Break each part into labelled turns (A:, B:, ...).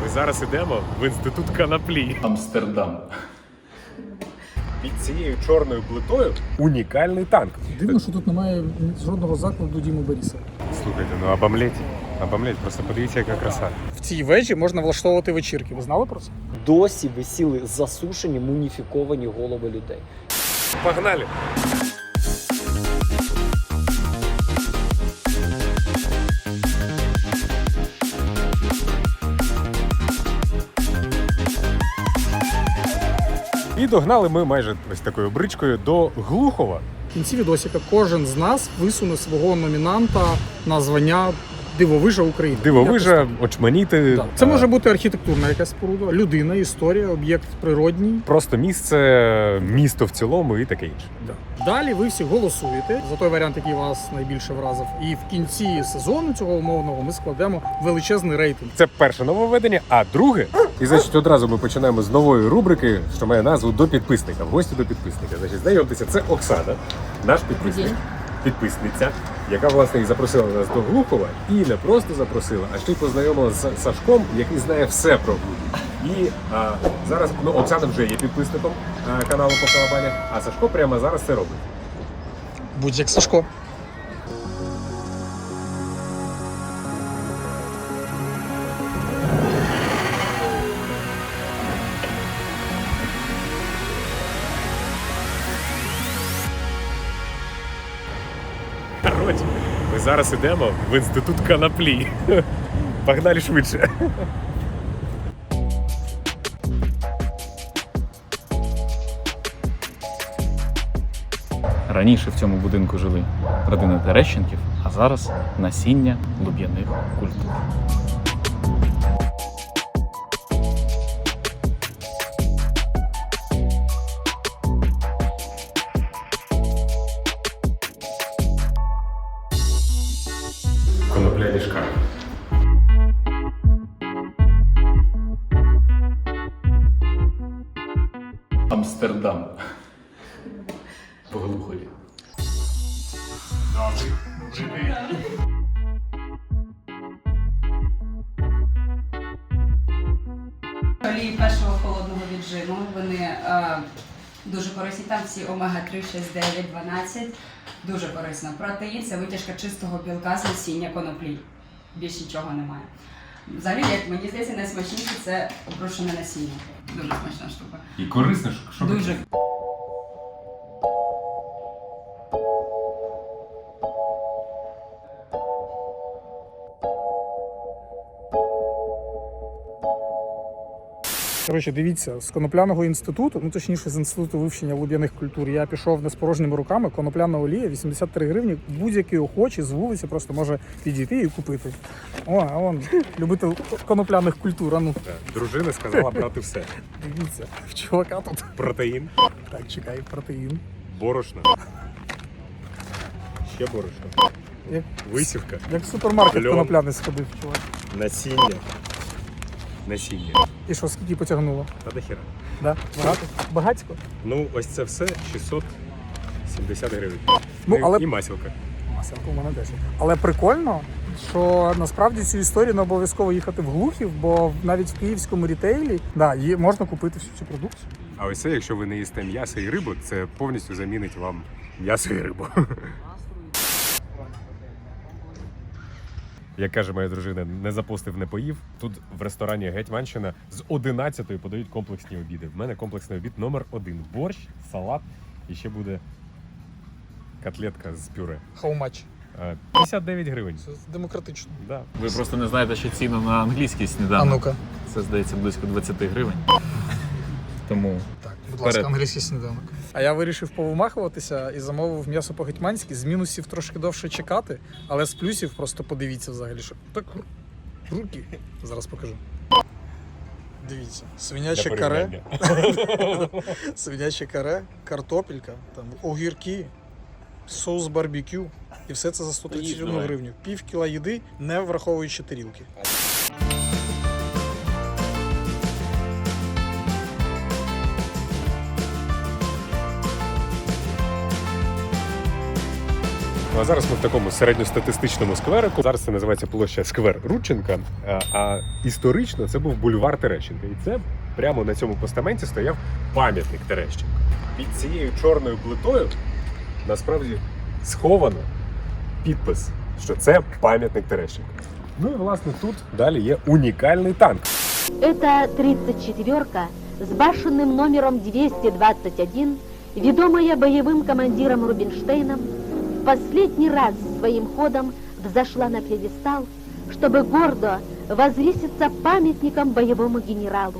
A: Ми зараз йдемо в інститут коноплі.
B: Амстердам.
A: Під цією чорною плитою унікальний танк.
C: Дивно, що тут немає жодного закладу Діми Боріса.
A: Слухайте, ну обомлеть, просто подивіться, яка краса.
C: В цій вежі можна влаштовувати вечірки. Ви знали про це?
D: Досі висіли засушені, муміфіковані голови людей.
A: Погнали! І догнали ми майже ось такою бричкою до Глухова.
C: В кінці відосика кожен з нас висуне свого номінанта на звання Дивовижа України.
A: Дивовижа, очманіти.
C: Так. Це може бути архітектурна якась споруда, людина, історія, об'єкт природній.
A: Просто місце, місто в цілому і таке інше.
C: Далі ви всі голосуєте за той варіант, який вас найбільше вразив. І в кінці сезону цього умовного ми складемо величезний рейтинг.
A: Це перше нововведення, а друге. І значить, одразу ми починаємо з нової рубрики, що має назву «До підписника». В гості до підписника. Значить, знайомтеся, це Оксана, наш підписник. Підписниця, яка, власне, і запросила нас до Глухова. І не просто запросила, а ще й познайомила з Сашком, який знає все про Глухів. І зараз, Оксана вже є підписником каналу «По Калабанях», а Сашко прямо зараз це робить.
C: Будь як Сашко.
A: Коротше, ми зараз йдемо в інститут коноплі. Погнали швидше.
B: Раніше в цьому будинку жили родина Терещенків, а зараз насіння луб'яних культур.
A: Конопляний шкаф.
B: Амстердам. В Глухові.
E: Олії першого холодного віджиму, вони дуже корисні, там всі омега-3, 6, 9, 12, дуже корисно. Протеїн – це витяжка чистого білка з насіння коноплі, більш нічого немає. Взагалі, як мені здається, найсмачніше – це опрошене насіння, дуже смачна штука.
A: І корисно, що
E: Дуже.
C: Коротше, дивіться, з конопляного інституту, ну точніше з інституту вивчення луб'яних культур, я пішов не з порожніми руками. Конопляна олія 83 гривні. Будь-який охочий з вулиці просто може підійти і купити. О, а вон, любитель конопляних культур, а ну.
A: Дружина сказала брати все.
C: Дивіться, в чувака тут.
A: Протеїн,
C: Так, чекай, протеїн.
A: борошно. Ще борошно.
C: Як,
A: Висівка.
C: як в супермаркет
A: Льон.
C: конопляний сходив, чувак.
A: Насіння. Насіння.
C: І що, скільки потягнуло?
A: Та дохіра.
C: Да? Багато? Багатько?
A: Ну, ось це все 670 гривень.
C: Ну, але-
A: І масілка.
C: Маселка у мене 10. Але прикольно, що насправді цю історію не обов'язково їхати в Глухів, бо навіть в київському рітейлі можна купити всю цю продукцію.
A: А ось це, якщо ви не їсте м'ясо і рибу, це повністю замінить вам м'ясо і рибу. Як каже моя дружина, не запостив, не поїв. Тут в ресторані Гетьманщина з 11-ї подають комплексні обіди. В мене комплексний обід номер 1. Борщ, салат і ще буде котлетка з пюре.
C: How much?
A: 59 гривень.
C: Це демократично.
A: Да.
B: Ви просто не знаєте ще ціну на англійський сніданок.
C: А ну-ка.
B: Це, здається, близько 20 гривень. Тому
C: Так, будь ласка,
B: Вперед.
C: англійський сніданок. А я вирішив повимахуватися і замовив м'ясо по-гетьманськи. З мінусів трошки довше чекати, але з плюсів просто подивіться взагалі, що так руки. Зараз покажу. Дивіться, свиняче
A: Для
C: каре,
A: порівняння.
C: свиняче каре, картопелька, там огірки, соус барбекю. І все це за 131
B: Давай.
C: гривню. Пів кіла їди, не враховуючи тарілки.
A: Ну а зараз ми в такому середньостатистичному скверику. Зараз це називається площа Сквер Рудченка, а історично це був бульвар Терещенка. І це прямо на цьому постаменті стояв пам'ятник Терещенка. Під цією чорною плитою насправді сховано підпис, що це пам'ятник Терещенка. Ну і власне тут далі є унікальний танк.
F: Это 34-ка с башенным номером 221, ведомая боевым командиром Рубинштейном, в последний раз своим ходом взошла на пьедестал, чтобы гордо возвыситься памятником боевому генералу.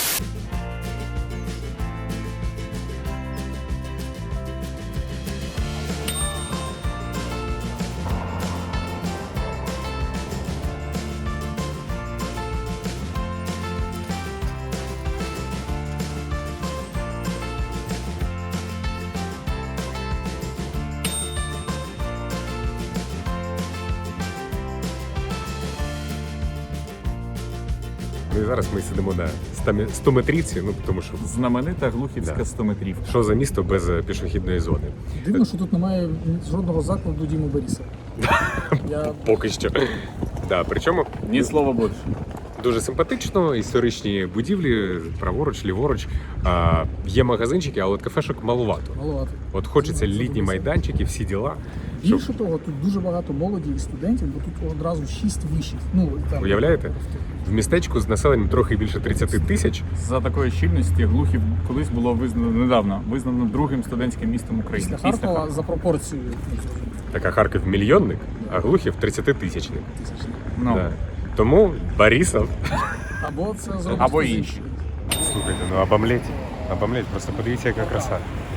A: Ну і зараз ми сидимо на 100-метрівці, ну тому що
B: Знаменита Глухівська
A: Да.
B: 100-метрівка.
A: що за місто без пішохідної зони?
C: Дивно, що тут немає жодного закладу Діми Боріса. Я
A: Поки що. Да, причому
B: Ні слова більше.
A: дуже симпатично, історичні будівлі, праворуч, ліворуч. Є магазинчики, але от кафешок малувато.
C: маловато.
A: От хочеться літні майданчики, всі діла. Щоб,
C: Більше того, тут дуже багато молоді і студентів, бо тут одразу 6 вишів. Ну, там,
A: уявляєте? В містечку з населенням трохи більше 30 тисяч.
B: За такої щільності Глухів колись було визнано другим студентським містом України.
C: Після Харкова за пропорцією
A: Така Харків мільйонник, а Глухів 30-тисячник.
C: тисячних.
B: Ну,
A: Да. Тому Борисов.
C: Або це зробити
B: Або
C: хтось
B: інші.
C: інший.
A: Слухайте, ну обомлеть, просто подивіться, яка краса.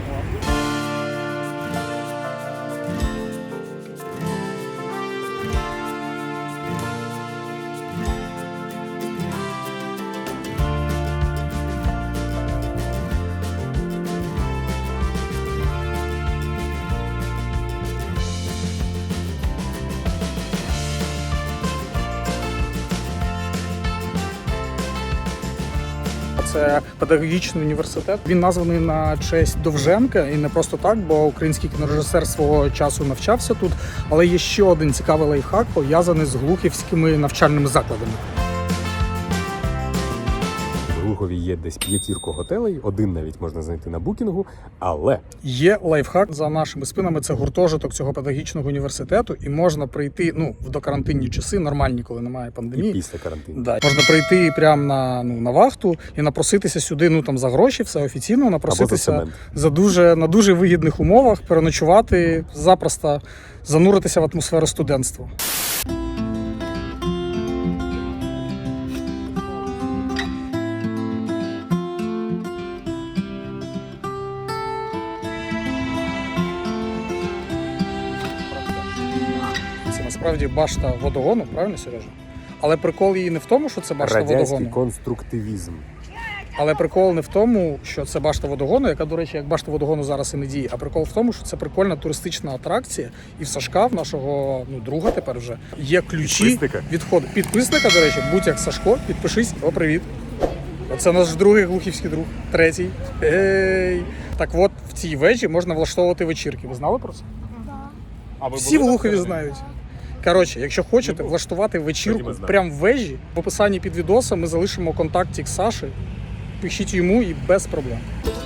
C: Це педагогічний університет. Він названий на честь Довженка, і не просто так, бо український кінорежисер свого часу навчався тут. Але є ще один цікавий лайфхак, пов'язаний з глухівськими навчальними закладами.
A: В Глухові є десь 5 готелей, один навіть можна знайти на букінгу, але
C: Є лайфхак за нашими спинами. Це гуртожиток цього педагогічного університету, і можна прийти в докарантинні часи, нормальні, коли немає
A: і
C: пандемії.
A: після карантину.
C: Да. Можна прийти прямо на вахту і напроситися сюди, за гроші, все офіційно, напроситися
A: цемент.
C: на дуже вигідних умовах, переночувати, запросто зануритися в атмосферу студентства. Це насправді башта водогону, правильно, Сережа? Але прикол її не в тому, що це башта
A: Радянський
C: водогону.
A: конструктивізм.
C: Але прикол не в тому, що це башта водогону, яка, до речі, як башта водогону зараз і не діє, а прикол в тому, що це прикольна туристична атракція. І в Сашка, в нашого друга тепер вже, є ключі
A: Підписника.
C: від входу. Підписника, до речі, будь як Сашко, підпишись. О, привіт. Це наш другий глухівський друг. Третій. Ей. Так от, в цій вежі можна влаштовувати вечірки. Ви знали про це?
B: А ви
C: Всі в
B: були
C: Глухові
B: на
C: знають. Коротше, якщо хочете влаштувати вечірку
A: Тоді ми знаємо.
C: прямо в вежі, в описанні під відосом ми залишимо контактик Саші. Пишіть йому і без проблем.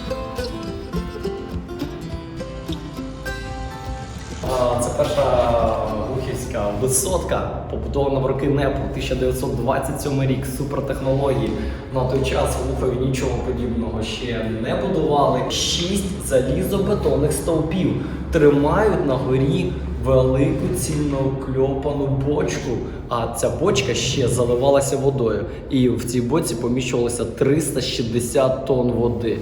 D: Це перша глухівська висотка, побудована в роки НЕПу, 1927 рік, супертехнології. На той час в Глухові нічого подібного ще не будували. 6 залізобетонних стовпів тримають на горі велику цільнокльопану бочку, а ця бочка ще заливалася водою. І в цій бочці поміщувалося 360 тонн води.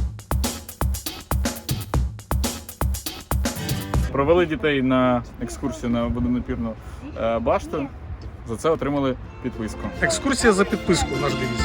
B: Провели дітей на екскурсію на водонапірну башту. За це отримали підписку.
C: Екскурсія за підписку, наш девіз.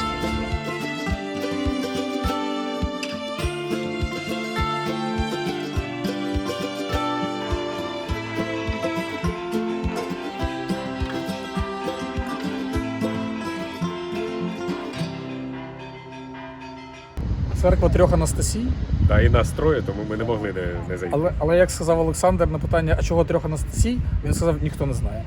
C: Церква трьох Анастасій.
A: Та і нас троє, тому ми не могли не зайти.
C: Але як сказав Олександр на питання, а чого трьох Анастасій, він сказав, ніхто не знає.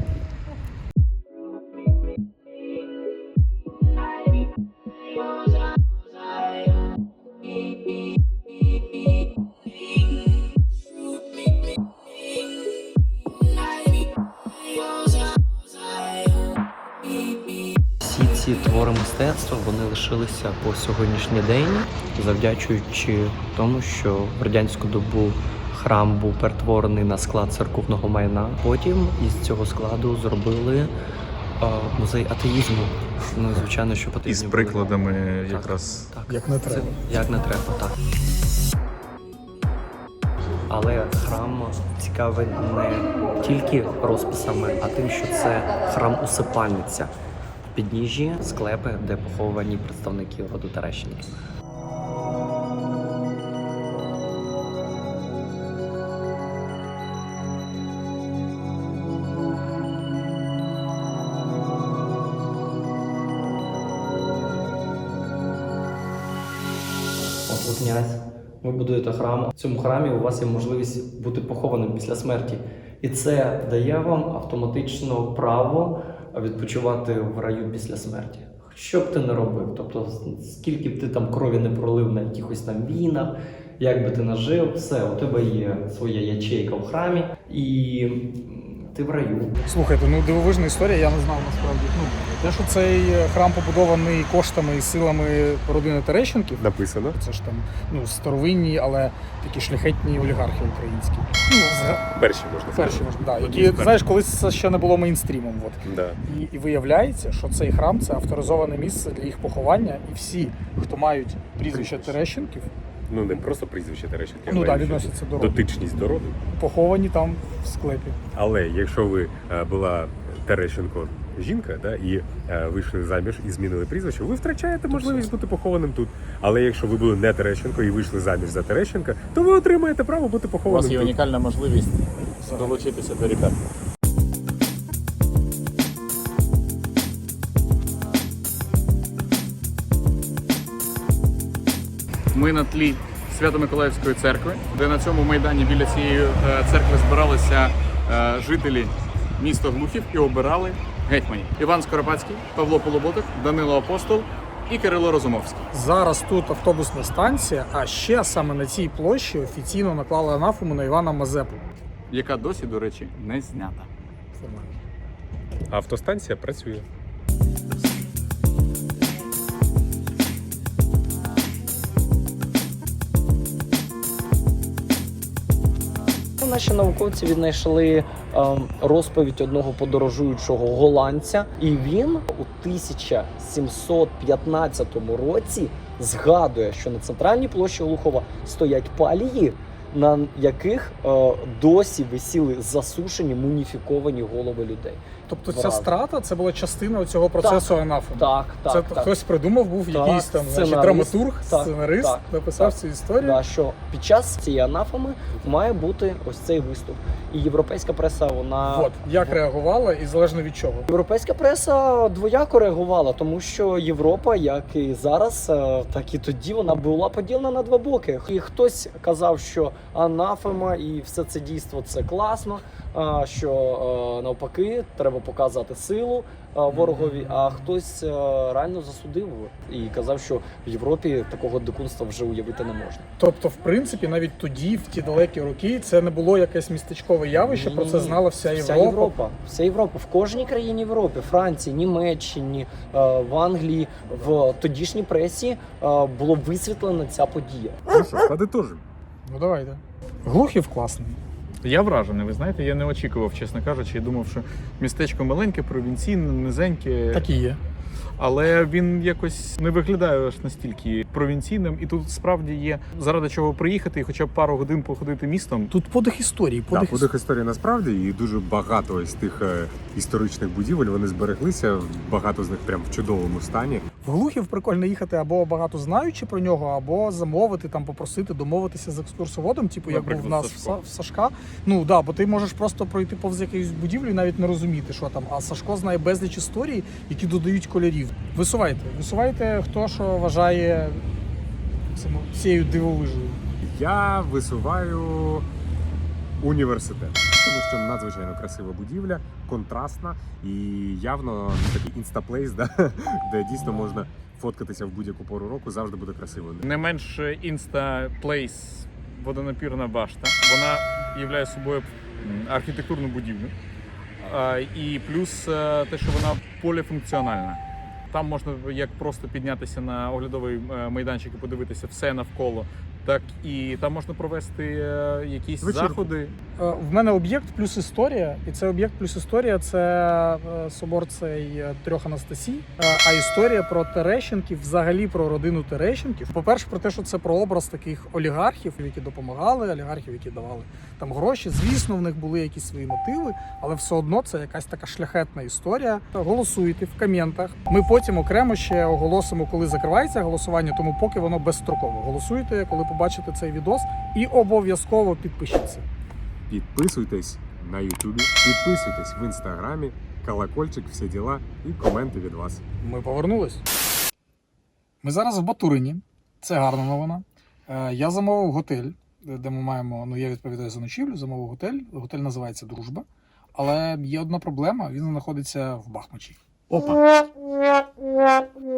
D: Всі ці твори мистецтва вони лишилися по сьогоднішній день, завдячуючи тому, що в радянську добу храм був перетворений на склад церковного майна. Потім із цього складу зробили музей атеїзму. Ну, звичайно, що потрібно
B: Із
D: були-
B: прикладами
D: Так,
B: якраз.
D: так.
C: Як не треба.
D: Як не треба, так. Але храм цікавий не тільки розписами, а тим, що це храм усипальниця. В підніжжі склепи, де поховані представники роду Терещенків. От ви князь, ви будуєте храм. В цьому храмі у вас є можливість бути похованим після смерті. І це дає вам автоматично право відпочивати в раю після смерті. Що б ти не робив, тобто скільки б ти там крові не пролив на якихось там війнах, як би ти нажив, все, у тебе є своя ячейка в храмі, і ти в раю.
C: Слухайте, ну дивовижна історія, я не знав насправді. Ну, те, що цей храм побудований коштами і силами родини Терещенків,
A: Написано.
C: це ж там ну, старовинні, але такі шляхетні олігархи українські. Ну,
A: Перші можна сказати.
C: перші, да,
A: Одні
C: які,
A: з
C: знаєш, колись це ще не було мейнстрімом. От.
A: Да.
C: І виявляється, що цей храм це авторизоване місце для їх поховання, і всі, хто мають прізвище Терещенків,
A: Ну не просто прізвище Терещенка,
C: ну
A: а
C: так,
A: й
C: відносяться до роду,
A: дотичність до роду.
C: поховані там в склепі.
A: Але якщо ви була Терещенко жінка, да, і вийшли заміж і змінили прізвище, ви втрачаєте можливість бути похованим тут. Але якщо ви були не Терещенко і вийшли заміж за Терещенка, то ви отримаєте право бути
B: У
A: похованим
B: вас є
A: тут.
B: унікальна можливість долучитися до ребят. Ми на тлі Свято-Миколаївської церкви, де на цьому майдані біля цієї церкви збиралися жителі міста Глухів і обирали гетьманів. Іван Скоропадський, Павло Полуботок, Данило Апостол і Кирило Розумовський.
C: Зараз тут автобусна станція, а ще саме на цій площі офіційно наклали анафему на Івана Мазепу.
B: Яка досі, до речі, не знята.
A: Автостанція працює.
D: Наші науковці віднайшли розповідь одного подорожуючого голландця, і він у 1715 році згадує, що на центральній площі Глухова стоять палії, на яких досі висіли засушені, муміфіковані голови людей.
C: Тобто ця
D: Вразно.
C: страта це була частина цього процесу анафеми.
D: Так,
C: Це
D: так.
C: хтось придумав, був
D: Так,
C: якийсь там значить,
D: сценарист.
C: драматург,
D: Так,
C: сценарист,
D: так,
C: написав
D: так.
C: цю історію.
D: Да, що під час цієї анафеми має бути ось цей виступ. І європейська преса, вона...
C: От, як реагувала і залежно від чого.
D: Європейська преса двояко реагувала, тому що Європа, як і зараз, так і тоді, вона була поділена на два боки. І хтось казав, що анафема і все це дійство – це класно, що навпаки, треба показати силу ворогові, а хтось реально засудив і казав, що в Європі такого дикунства вже уявити не можна.
C: Тобто, в принципі, навіть тоді, в ті далекі роки, це не було якесь містечкове явище, про це знала вся Європа.
D: Вся Європа. В кожній країні Європи, Франції, Німеччині, в Англії, в тодішній пресі було висвітлена ця подія.
A: Ну що, подитожимо.
C: Ну давайте. Глухів класний.
B: Я вражений, ви знаєте, я не очікував, чесно кажучи, я думав, що містечко маленьке, провінційне, низеньке.
C: Так і є.
B: Але він якось не виглядає аж настільки провінційним, і тут справді є заради чого приїхати і хоча б пару годин походити містом.
C: Тут подих історії.
A: Так, подих історії насправді, і дуже багато з тих історичних будівель вони збереглися, багато з них прям в чудовому стані.
C: В Глухів прикольно їхати або багато знаючи про нього, або замовити, там попросити домовитися з екскурсоводом, типу як був в
B: Наприклад,
C: нас
B: Сашко.
C: в Сашка. Ну да, бо ти можеш просто пройти повз якусь будівлю і навіть не розуміти, що там. А Сашко знає безліч історій, які додають кольорів. Висувайте, хто що вважає цією дивовижею?
A: Я висуваю університет, тому що надзвичайно красива будівля, контрастна і явно такий інстаплейс, да? Де дійсно можна фоткатися в будь-яку пору року, завжди буде красиво.
B: Не менш інста-плейс водонапірна башта. Вона являє собою архітектурну будівлю. І плюс те, що вона поліфункціональна. Там можна як просто піднятися на оглядовий майданчик і подивитися все навколо, так і там можна провести якісь
A: Вечірку.
B: заходи.
C: В мене об'єкт плюс історія, і це об'єкт плюс історія це собор цей трьох Анастасій, а історія про Терещенків, взагалі про родину Терещенків. По-перше, про те, що це про образ таких олігархів, які допомагали, олігархів, які давали там гроші. Звісно, в них були якісь свої мотиви, але все одно це якась така шляхетна історія. Голосуйте в коментах. Ми потім окремо ще оголосимо, коли закривається голосування, тому поки воно безстроково. Голосуйте, коли побачите цей відос, і обов'язково підпишіться.
A: Підписуйтесь на Ютубі, підписуйтесь в Інстаграмі, колокольчик, всі діла і коменти від вас.
C: Ми повернулись. Ми зараз в Батурині. Це гарна новина. Я замовив готель, де ми маємо, я відповідаю за ночівлю, замовив готель. Готель називається Дружба. Але є одна проблема, він знаходиться в Бахмачі. Опа!